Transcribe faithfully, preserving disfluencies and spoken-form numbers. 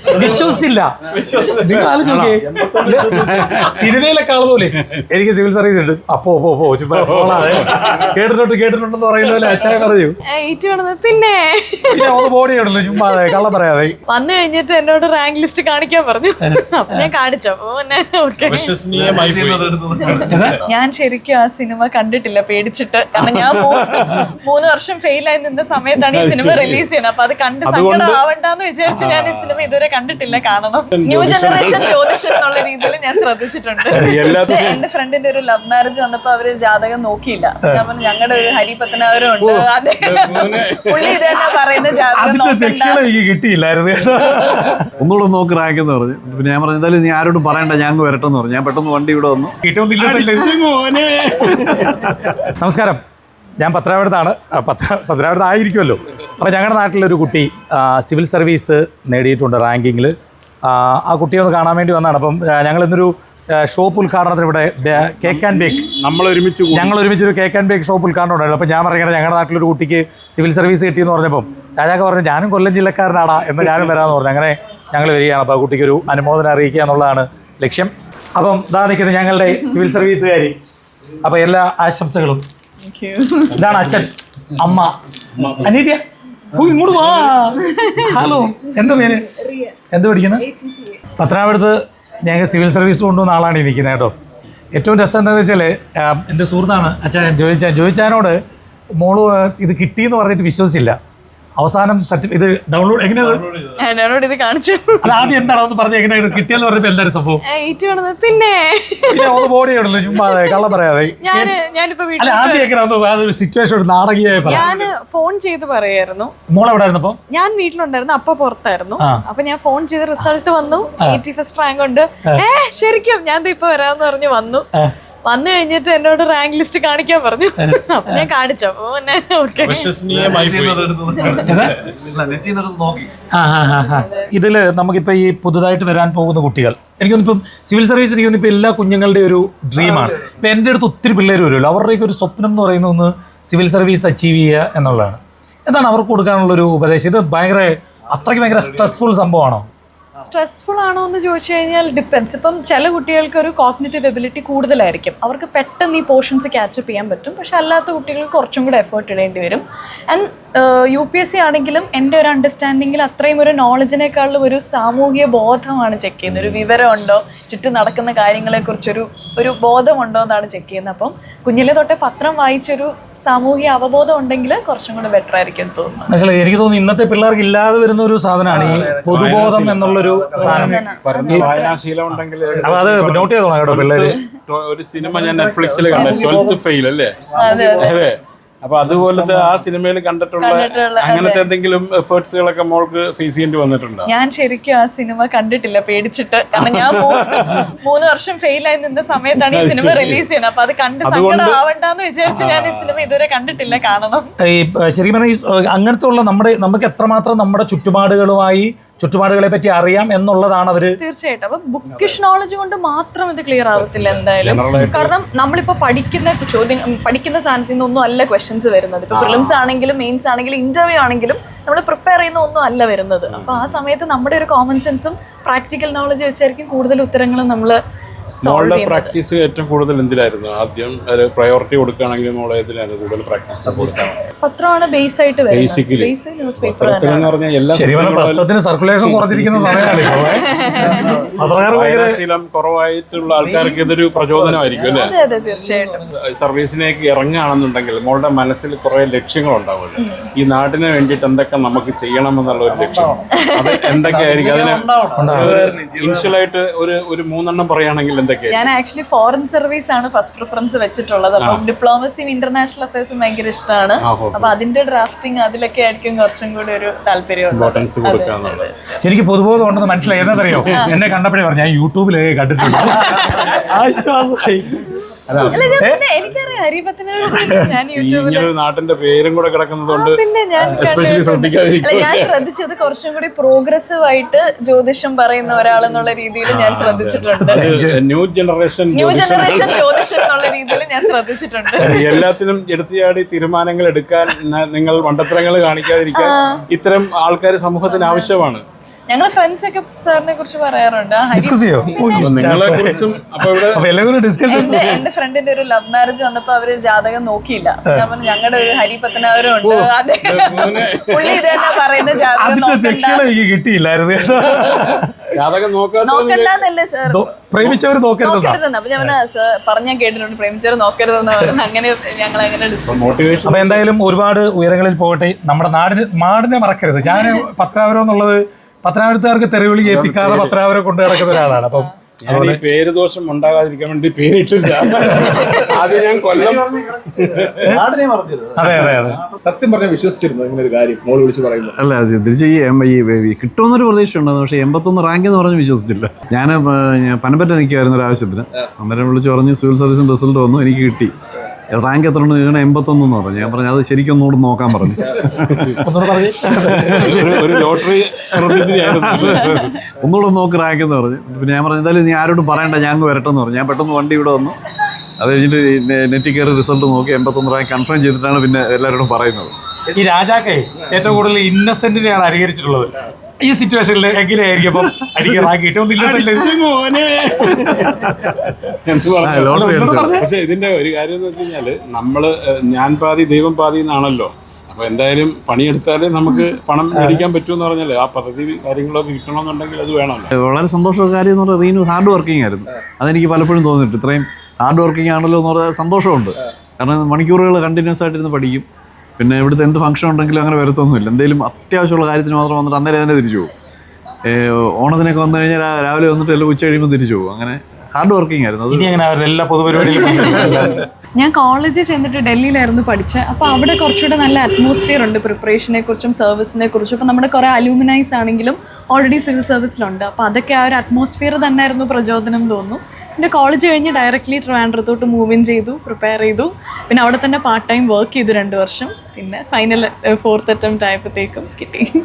വിശ്വസിച്ചില്ല. നിങ്ങൾ ആലോചിച്ച് നോക്കിയേ, സിനിമയിലെ കാണുപോലെ എനിക്ക് സിവിൽ സർവീസ് ഉണ്ട്. അപ്പോ പോ പോ പോളാതെ കേട്ടിട്ടുണ്ട് കേട്ടിട്ടുണ്ടെന്ന് പറയുന്ന പോലെ അച്ഛനെ പറഞ്ഞു. പിന്നെ പിന്നെ ബോഡി ഉണ്ടല്ലോ ചുമ്മാ കള്ളം പറയാതെ. വന്നു കഴിഞ്ഞിട്ട് എന്നോട് റാങ്ക് ലിസ്റ്റ് കാണിക്കാൻ പറഞ്ഞു. അപ്പൊ ഞാൻ കാണിച്ചു. ഞാൻ ശരിക്കും ആ സിനിമ കണ്ടിട്ടില്ല, പേടിച്ചിട്ട്. കാരണം ഞാൻ മൂന്ന് വർഷം ഫെയിൽ ആയി നിന്ന സമയത്താണ് ഈ സിനിമ റിലീസ് ചെയ്യുന്നത്. അപ്പൊ അത് കണ്ട് സങ്കടം ആവണ്ടെന്ന് വിചാരിച്ച് ഞാൻ ഈ സിനിമ ഇതുവരെ കണ്ടിട്ടില്ല. കാണണം. ന്യൂ ജനറേഷൻ ജ്യോതിഷം എന്നുള്ള രീതിയിൽ ഞാൻ ശ്രദ്ധിച്ചിട്ടുണ്ട്. എന്റെ ഫ്രണ്ടിന്റെ ഒരു ലവ് മാരേജ് വന്നപ്പോ അവര് ജാതകം നോക്കിയില്ല. ഞാൻ പറഞ്ഞു ഞങ്ങളുടെ ഒരു ഹരിപത്തനാവരും ഉണ്ട്, അതെ പുള്ളി ഇത് തന്നെ പറയുന്ന ജാതകം കിട്ടിയില്ലായിരുന്നു. ഒന്നുകൂടെ നോക്കി റാങ്ക് എന്ന് പറഞ്ഞു. പിന്നെ ഞാൻ പറഞ്ഞു എന്തായാലും നീ ആരോടും പറയണ്ട, ഞാൻ വരട്ടെന്ന് പറഞ്ഞു. ഞാൻ പെട്ടെന്ന് വണ്ടി ഇവിടെ വന്നു. നമസ്കാരം, ഞാൻ പത്തനാപുരത്താണ്. പത്ത പത്തനാപുരത്ത് ആയിരിക്കുമല്ലോ. അപ്പോൾ ഞങ്ങളുടെ നാട്ടിലൊരു കുട്ടി സിവിൽ സർവീസ് നേടിയിട്ടുണ്ട് റാങ്കിങ്ങിൽ. ആ കുട്ടിയെ ഒന്ന് കാണാൻ വേണ്ടി വന്നതാണ്. അപ്പം ഞങ്ങൾ ഇന്നൊരു ഷോപ്പ് ഉദ്ഘാടനത്തിന് ഇവിടെ കേക്ക് ആൻഡ് ബേക്ക് നമ്മൾ ഒരുമിച്ച് ഞങ്ങൾ ഒരുമിച്ചൊരു കേക്ക് ആൻഡ് ബേക്ക് ഷോപ്പ് ഉദ്ഘാടനം ഉണ്ടായിരുന്നു. അപ്പോൾ ഞാൻ പറയുന്നത് ഞങ്ങളുടെ നാട്ടിലൊരു കുട്ടിക്ക് സിവിൽ സർവീസ് കിട്ടിയെന്ന് പറഞ്ഞപ്പം രാജാക്ക് പറഞ്ഞു ഞാനും കൊല്ലം ജില്ലക്കാരനാടാ എന്ന് ഞാനും വരാമെന്ന് പറഞ്ഞു. അങ്ങനെ ഞങ്ങൾ വരികയാണ്. അപ്പോൾ ആ കുട്ടിക്ക് ഒരു അനുമോദനം അറിയിക്കുക എന്നുള്ളതാണ് ലക്ഷ്യം. അപ്പം ഇതാ നിൽക്കുന്നത് ഞങ്ങളുടെ സിവിൽ സർവീസുകാരി. അപ്പോൾ എല്ലാ ആശംസകളും. ഇതാണ് അച്ഛൻ, അമ്മ, അനീതിയ. ഓ ഇങ്ങോട്ട് വാ. ഹലോ, എന്താ പേര്? എന്ത് പഠിക്കുന്നത്? പത്തനാപുരത്ത് ഞങ്ങൾക്ക് സിവിൽ സർവീസ് കൊണ്ടുവന്ന ആളാണ് ഇരിക്കുന്നത് കേട്ടോ. ഏറ്റവും രസം എന്താണെന്ന് വെച്ചാൽ എൻ്റെ സുഹൃത്താണ് അച്ഛൻ ജോയിച്ചാൻ. ജോയിച്ചാനോട് മോള് ഇത് കിട്ടിയെന്ന് പറഞ്ഞിട്ട് വിശ്വസിച്ചില്ല. അവസാനം സർട്ടിഫിക്കറ്റ് ഇത് ഡൗൺലോഡ് എങ്ങനെയാണ് ഇത് കാണിച്ചു. അത് ആദ്യം എന്താണെന്ന് പറഞ്ഞ് എങ്ങനെയാണ് കിട്ടിയെന്ന് പറഞ്ഞപ്പോൾ എന്തായാലും സംഭവം? പിന്നെ ബോഡി ഉണ്ടല്ലോ ചുമ്മാ കള്ളം പറയാതെ. അല്ല ആദ്യം എങ്ങനെയാണെന്ന് സിറ്റുവേഷൻ നാടകീയമായി പറയാം. ഞാൻ ഫോൺ ചെയ്ത് പറയായിരുന്നു. മോളെവിടെ ആയിരുന്നപ്പോ? ഞാൻ വീട്ടിലുണ്ടായിരുന്നു, അപ്പ പുറത്തായിരുന്നു. അപ്പൊ ഞാൻ ഫോൺ ചെയ്ത് റിസൾട്ട് വന്നു, എയ്റ്റി ഫസ്റ്റ് റാങ്ക് ഉണ്ട്. ഏ ശരിക്കും ഞാൻ ഇപ്പൊ വരാന്ന് പറഞ്ഞ് വന്നു. വന്നു കഴിഞ്ഞിട്ട് എന്നോട് റാങ്ക് ലിസ്റ്റ് കാണിക്കാൻ പറഞ്ഞു. അപ്പൊ ഞാൻ കാണിച്ചു. ഇതില് നമുക്കിപ്പോ ഈ പുതുതായിട്ട് വരാൻ പോകുന്ന കുട്ടികൾ, എനിക്കൊന്നിപ്പം സിവിൽ സർവീസ് എനിക്കൊന്നും ഇപ്പൊ എല്ലാ കുഞ്ഞുങ്ങളുടെ ഒരു ഡ്രീമാണ്. ഇപ്പൊ എൻ്റെ അടുത്ത് ഒത്തിരി പിള്ളേർ വരുമല്ലോ, അവരുടെയൊക്കെ ഒരു സ്വപ്നം എന്ന് പറയുന്ന ഒന്ന് സിവിൽ സർവീസ് അച്ചീവ് ചെയ്യുക എന്നുള്ളതാണ്. എന്താണ് അവർക്ക് കൊടുക്കാനുള്ളൊരു ഉപദേശം? ഇത് ഭയങ്കര അത്രയ്ക്ക് ഭയങ്കര സ്ട്രെസ്ഫുൾ സംഭവമാണോ? സ്ട്രെസ്ഫുൾ ആണോ എന്ന് ചോദിച്ചു കഴിഞ്ഞാൽ ഡിപ്പെൻസ്. ഇപ്പം ചില കുട്ടികൾക്ക് ഒരു കോഗ്നിറ്റീവ് എബിലിറ്റി കൂടുതലായിരിക്കും, അവർക്ക് പെട്ടെന്ന് ഈ പോർഷൻസ് ക്യാച്ചപ്പ് ചെയ്യാൻ പറ്റും. പക്ഷെ അല്ലാത്ത കുട്ടികൾക്ക് കുറച്ചും കൂടെ എഫേർട്ട് ഇടേണ്ടി വരും. And U P S C ആണെങ്കിലും എൻ്റെ ഒരു അണ്ടർസ്റ്റാൻഡിങ്ങിൽ അത്രയും ഒരു നോളജിനേക്കാളും ഒരു സാമൂഹിക ബോധമാണ് ചെക്ക് ചെയ്യുന്നത്. ഒരു വിവരമുണ്ടോ, ചുറ്റും നടക്കുന്ന കാര്യങ്ങളെക്കുറിച്ചൊരു ഒരു ബോധമുണ്ടോ എന്നാണ് ചെക്ക് ചെയ്യുന്നത്. അപ്പം കുഞ്ഞിലെ തൊട്ടേ പത്രം വായിച്ചൊരു സാമൂഹിക അവബോധം ഉണ്ടെങ്കിൽ കുറച്ചും കൂടെ ബെറ്റർ ആയിരിക്കും തോന്നുന്നു. മനസ്സിലായി. എനിക്ക് തോന്നുന്നു ഇന്നത്തെ പിള്ളേർക്ക് ഇല്ലാതെ വരുന്ന ഒരു സാധനമാണ് ഈ പൊതുബോധം എന്നുള്ളൊരു സാധനം. അത് നോട്ട് ചെയ്തോളാം കേട്ടോ പിള്ളേര്. ഒരു സിനിമ ഞാൻ നെറ്റ്ഫ്ലിക്സിൽ കണ്ടു, ട്വൽത്ത് ഫെയിൽ അല്ലേ? അതെ. അപ്പൊ അതുപോലത്തെ ആ സിനിമയിൽ കണ്ടിട്ടുള്ള അങ്ങനത്തെ എന്തെങ്കിലും എഫേർട്സുകളൊക്കെ മോൾക്ക് ഫേസ് ചെയ്യേണ്ടി വന്നിട്ടുണ്ടോ? ഞാൻ ശരിക്കും ആ സിനിമ കണ്ടിട്ടില്ല, പേടിച്ചിട്ട്. കാരണം ഞാൻ മൂന്ന് വർഷം ഫെയിൽ ആയി നിന്ന സമയത്താണ് ഈ സിനിമ റിലീസ് ചെയ്യുന്നത്. അപ്പൊ അത് കണ്ട് സങ്കടം ആവണ്ടെന്ന് വിചാരിച്ച് ഞാൻ ഈ സിനിമ ഇതുവരെ കണ്ടിട്ടില്ല, കാണണം. ഈ ശരിക്കും പറഞ്ഞാൽ അങ്ങനത്തെ ഉള്ള നമ്മുടെ നമുക്ക് എത്രമാത്രം നമ്മുടെ ചുറ്റുപാടുകളുമായി ചുറ്റുപാടുകളെ പറ്റി അറിയാം എന്നുള്ളതാണ് അവര്. തീർച്ചയായിട്ടും. അപ്പൊ ബുക്കിഷ് നോളജ് കൊണ്ട് മാത്രം ഇത് ക്ലിയർ ആവത്തില്ല എന്തായാലും. കാരണം നമ്മളിപ്പോ പഠിക്കുന്ന ചോദ്യം പഠിക്കുന്ന സാധനത്തിൽ നിന്നൊന്നും അല്ല ക്വസ്റ്റ്യൻസ് വരുന്നത്. ഇപ്പൊ പ്രിലിംസ് ആണെങ്കിലും മെയിൻസ് ആണെങ്കിലും ഇന്റർവ്യൂ ആണെങ്കിലും നമ്മൾ പ്രിപ്പയർ ചെയ്യുന്ന ഒന്നും അല്ല വരുന്നത്. അപ്പൊ ആ സമയത്ത് നമ്മുടെ ഒരു കോമൺ സെൻസും പ്രാക്ടിക്കൽ നോളജ് വെച്ചായിരിക്കും കൂടുതൽ ഉത്തരങ്ങളും നമ്മള്. മോളുടെ പ്രാക്ടീസ് ഏറ്റവും കൂടുതൽ എന്തിലായിരുന്നു? ആദ്യം പ്രയോറിറ്റി കൊടുക്കുകയാണെങ്കിൽ മോളെ ഇതിലാണ് കൂടുതൽ പ്രാക്ടീസ് കൊടുക്കാം? പത്രമാണ് ബേസ് ആയിട്ട് ബേസിക്കലി സർക്കുലേഷൻ കുറഞ്ഞിരിക്കുന്ന ശീലം കുറവായിട്ടുള്ള ആൾക്കാർക്ക് ഇതൊരു പ്രചോദനമായിരിക്കും അല്ലേ? തീർച്ചയായിട്ടും. സർവീസിലേക്ക് ഇറങ്ങുകയാണെന്നുണ്ടെങ്കിൽ മോളുടെ മനസ്സിൽ കുറെ ലക്ഷ്യങ്ങൾ ഉണ്ടാവുമല്ലോ. ഈ നാടിന് വേണ്ടിയിട്ട് എന്തൊക്കെ നമുക്ക് ചെയ്യണമെന്നുള്ള ഒരു ലക്ഷ്യം അത് എന്തൊക്കെയായിരിക്കും? അതിന് ഇനിഷ്യലായിട്ട് ഒരു ഒരു മൂന്നെണ്ണം പറയുകയാണെങ്കിൽ എന്തൊക്കെയാണ്? ഞാൻ ആക്ച്വലി ഫോറിൻ സർവീസ് ആണ് ഫസ്റ്റ് പ്രിഫറൻസ് വെച്ചിട്ടുള്ളത്. അപ്പം ഡിപ്ലോമസിയും ഇന്റർനാഷണൽ അഫയേഴ്സും ഭയങ്കര ഇഷ്ടമാണ്. അപ്പൊ അതിന്റെ ഡ്രാഫ്റ്റിംഗ് അതിലൊക്കെ ആയിരിക്കും കുറച്ചും കൂടി ഒരു താല്പര്യം. എനിക്ക് പൊതുബോധം ഉണ്ടെന്ന് മനസ്സിലായി. എന്നറിയോ, എന്നെ കണ്ടപ്പോഴേ പറഞ്ഞു ഞാൻ യൂട്യൂബിലേ കണ്ടിട്ടുണ്ട്. എനിക്കറിയാം ഹരിപത്തനാപുരം. ഞാൻ യൂട്യൂബിൽ നാട്ടിന്റെ പേരും കൂടെ കിടക്കുന്നതുകൊണ്ട് പിന്നെ ഞാൻ ഞാൻ ശ്രദ്ധിച്ചത് കുറച്ചും കൂടി പ്രോഗ്രസീവ് ആയിട്ട് ജ്യോതിഷം പറയുന്ന ഒരാളെന്നുള്ള രീതിയിൽ ഞാൻ ശ്രദ്ധിച്ചിട്ടുണ്ട്. ന്യൂ ജനറേഷൻ ന്യൂ ജനറേഷൻ ജ്യോതിഷം എന്നുള്ള രീതിയിൽ ഞാൻ ശ്രദ്ധിച്ചിട്ടുണ്ട്. എല്ലാത്തിനും എടുത്തുചാടി തീരുമാനങ്ങൾ എടുക്കാൻ നിങ്ങൾ മണ്ടത്തരങ്ങൾ കാണിക്കാതിരിക്കാൻ ഇത്തരം ആൾക്കാർ സമൂഹത്തിന് ആവശ്യമാണ്. ഞങ്ങൾ ഫ്രണ്ട്സ് ഒക്കെ സാറിനെ കുറിച്ച് പറയാറുണ്ട്. ആ, ഹരി- ഡിസ്കസ് ചെയ്യോ നിങ്ങളെ കുറിച്ചും അപ്പൊ ഇവിടെ അപ്പൊ എല്ലാവരും ഡിസ്കഷൻ. എന്റെ എന്റെ ഫ്രണ്ടിന്റെ ഒരു ലവ് മാരേജ് വന്നപ്പോ അവര് ജാതകം നോക്കിയില്ല. ഞാൻ പറഞ്ഞു ഞങ്ങളുടെ ഒരു ഹരി പത്തനാപുരം ഉണ്ട്, അതെ പുള്ളി ഇത് തന്നെ പറയുന്ന ജാതകം അതിന്റെ നോക്കണ്ട ദക്ഷിണ എനിക്ക് കിട്ടിയില്ലായിരുന്നു കേട്ടോ. ജാതകം നോക്കാത്ത നോക്കണ്ടെന്നല്ലേ സാർ പ്രേമിച്ചവര് നോക്കരുതെന്നാ. നോക്കരുതെന്ന്. അപ്പൊ ഞാൻ സാർ പറഞ്ഞാൽ കേട്ടിട്ടുണ്ട് പ്രേമിച്ചവർ നോക്കരുതെന്ന് പറഞ്ഞു. അങ്ങനെ ഞങ്ങൾ അങ്ങനെ ഡിസ്കസ്. മോട്ടിവേഷൻ അപ്പൊ എന്തായാലും ഒരുപാട് ഉയരങ്ങളിൽ പോകട്ടെ. നമ്മുടെ നാടിന് നാടിനെ മറക്കരുത്. ഞാൻ പത്തനാപുരം എന്നുള്ളത് പത്തനാപുരത്തുകാർക്ക് തെരുവിളി ഏൽപ്പിക്കാതെ പത്തനാപുരം കൊണ്ടു നടക്കുന്ന ഒരാളാണ്. അപ്പം ഞാൻ ഈ പേര് ദോഷം ഉണ്ടാകാതിരിക്കാൻ വേണ്ടി പേരിട്ടില്ല. അത് ഞാൻ കൊല്ലം നാടിനെ മറക്കരുത്. അതെ അതെ അതെ സത്യം പറഞ്ഞാൽ വിശ്വസിച്ചിരുന്നു ഇങ്ങനെ ഒരു കാര്യം മോള് വിളിച്ച് പറയുന്നത്? അല്ല അത് തിരിച്ച് ഈ എം- ഈ ഈ കിട്ടുമെന്നൊരു പ്രതീക്ഷ ഉണ്ടായിരുന്നു. പക്ഷേ എൺപത്തൊന്ന് റാങ്ക് എന്ന് പറഞ്ഞ് വിശ്വസിച്ചില്ല. ഞാൻ പനമ്പറ്റ നിൽക്കുമായിരുന്നു ഒരു ആവശ്യത്തിന്. അന്നേരം വിളിച്ച് പറഞ്ഞു സിവിൽ സർവീസിൻ്റെ റിസൾട്ട് വന്നു, എനിക്ക് കിട്ടി. റാങ്ക് എത്ര ഉണ്ട് ചോദിക്കണം, എൺപത്തൊന്നെന്ന് പറഞ്ഞു. ഞാൻ പറഞ്ഞു അത് ശരിക്കും ഒന്നുകൂടെ നോക്കാൻ പറഞ്ഞു. ഒന്നുകൂടെ പറഞ്ഞു. ഒരു- ഒരു ലോട്ടറി ഒന്നുകൂടെ നോക്ക് റാങ്ക് എന്ന് പറഞ്ഞു. പിന്നെ ഞാൻ പറഞ്ഞു എന്തായാലും നീ ആരോടും പറയണ്ട, ഞാൻ അങ്ങ് വരട്ടെന്ന് പറഞ്ഞു. ഞാൻ പെട്ടെന്ന് വണ്ടി ഇവിടെ വന്നു. അത് കഴിഞ്ഞിട്ട് നെറ്റിൽ കയറി റിസൾട്ട് നോക്കി എൺപത്തൊന്ന് റാങ്ക് കൺഫേം ചെയ്തിട്ടാണ് പിന്നെ എല്ലാവരോടും പറയുന്നത്. ഈ രാജാക്കെ ഏറ്റവും കൂടുതൽ ഇന്നസെന്റിനെയാണ് അനുകരിച്ചിട്ടുള്ളത്. ഈ സിറ്റുവേഷനിൽ എങ്ങനെയായിരിക്കും അപ്പം അടിക്ക് റാങ്ക് കിട്ടും ഇന്നസെന്റ്? മോനെ എന്ന് ആ, പറഞ്ഞു. ലോട്ടറി അടിച്ചത്. പക്ഷെ ഇതിന്റെ ഒരു കാര്യം എന്ന് വെച്ച് കഴിഞ്ഞാല് നമ്മള് ഏഹ്, ഞാൻ പാതി ദൈവം പാതി എന്നാണല്ലോ. അപ്പൊ എന്തായാലും പണിയെടുത്താലേ നമുക്ക് പണം മേടിക്കാൻ പറ്റുമെന്ന് പറഞ്ഞാല് ആ പദ്ധതി കാര്യങ്ങളൊക്കെ കിട്ടണമെന്നുണ്ടെങ്കിൽ അത് വേണമല്ലോ. വളരെ സന്തോഷമുള്ള കാര്യം എന്ന് പറഞ്ഞാൽ റീനു ഹാർഡ് വർക്കിംഗ് ആയിരുന്നു. അതെനിക്ക് പലപ്പോഴും തോന്നിയിട്ട് ഇത്രയും ഹാർഡ് വർക്കിംഗ് ആണല്ലോ എന്ന് പറഞ്ഞാൽ സന്തോഷമുണ്ട്. കാരണം മണിക്കൂറുകൾ കണ്ടിന്യൂസ് ആയിട്ടിരുന്ന് പഠിക്കും. പിന്നെ ഇവിടുത്തെ എന്ത് ഫംഗ്ഷൻ ഉണ്ടെങ്കിലും അങ്ങനെ വരത്തൊന്നുമില്ല. എന്തെങ്കിലും അത്യാവശ്യമുള്ള കാര്യത്തിന് മാത്രം വന്നിട്ട് അന്നേരം തന്നെ തിരിച്ചു പോകും. ഓണത്തിനൊക്കെ വന്നു കഴിഞ്ഞാൽ രാ- രാവിലെ വന്നിട്ട് എല്ലാം ഉച്ച കഴിയുമ്പോൾ തിരിച്ചു പോകും. അങ്ങനെ ഹാർഡ് വർക്കിംഗ് ആയിരുന്നു. അത് ഇനി അങ്ങനെ അവരുടെ എല്ലാ പൊതുപരിപാടികളും ഞാൻ കോളേജിൽ ചെന്നിട്ട് ഡൽഹിയിലായിരുന്നു പഠിച്ചത്. അപ്പോൾ അവിടെ കുറച്ചുകൂടെ നല്ല അറ്റ്മോസ്ഫിയർ ഉണ്ട് പ്രിപ്പറേഷനെ കുറിച്ചും സർവീസിനെ കുറിച്ചും. അപ്പോൾ നമ്മുടെ കുറേ അലൂമിനൈസ് ആണെങ്കിലും ഓൾറെഡി സിവിൽ സർവീസിലുണ്ട്. അപ്പോൾ അതൊക്കെ ആ ഒരു അറ്റ്മോസ്ഫിയർ തന്നെയായിരുന്നു പ്രചോദനം തോന്നുന്നു. പിന്നെ കോളേജ് കഴിഞ്ഞ് ഡയറക്റ്റ്ലി ട്രിവാൻഡ്രത്തോട്ട് മൂവ് ഇൻ ചെയ്തു, പ്രിപ്പയർ ചെയ്തു. പിന്നെ അവിടെ തന്നെ പാർട്ട് ടൈം വർക്ക് ചെയ്തു രണ്ട് വർഷം. പിന്നെ ഫൈനൽ ഫോർത്ത് അറ്റംപ്റ്റ് ആയപ്പോഴത്തേക്കും കിട്ടി.